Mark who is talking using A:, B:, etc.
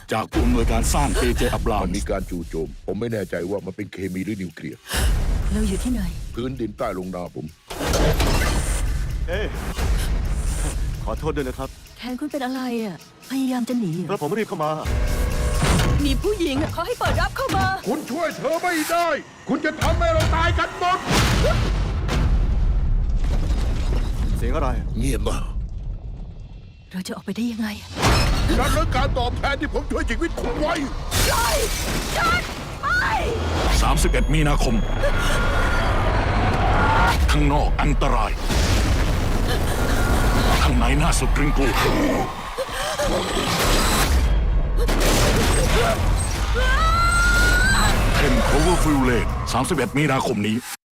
A: จากผู้อำนวยการสร้าง AJ อับราม
B: มันมีการจู่โจม ผมไม่แน่ใจว่ามันเป็นเคมีหรือนิวเคลียร์
C: เราอยู่ที่ไหน
B: พื้นดินใต้ลงนาผม
D: ขอโทษด้วยนะครับ
C: แทนคุณเป็นอะไรอ่ะ พยายามจะหนีเหร
D: แล้
C: อ
D: วผมรีบเข้ามา
C: มีผู้หญิงอะเขาให้เปิดรับเข้ามา
B: คุณช่วยเธอไม่ได้ คุณจะทำให้เราตายกันหมด
D: เสียงอะไร
B: เงียบมาก
C: เราจะออกไปได้ยังไง
B: นั่นคือการตอบแทนที่ผมช่วยชีวิตคุณไว้
A: 31 มีนาคม ข้างนอกอันตราย ข้างในน่าสุดกริ้งกลัวเทนโคเวอร์ฟิลเลน31 มีนาคมนี้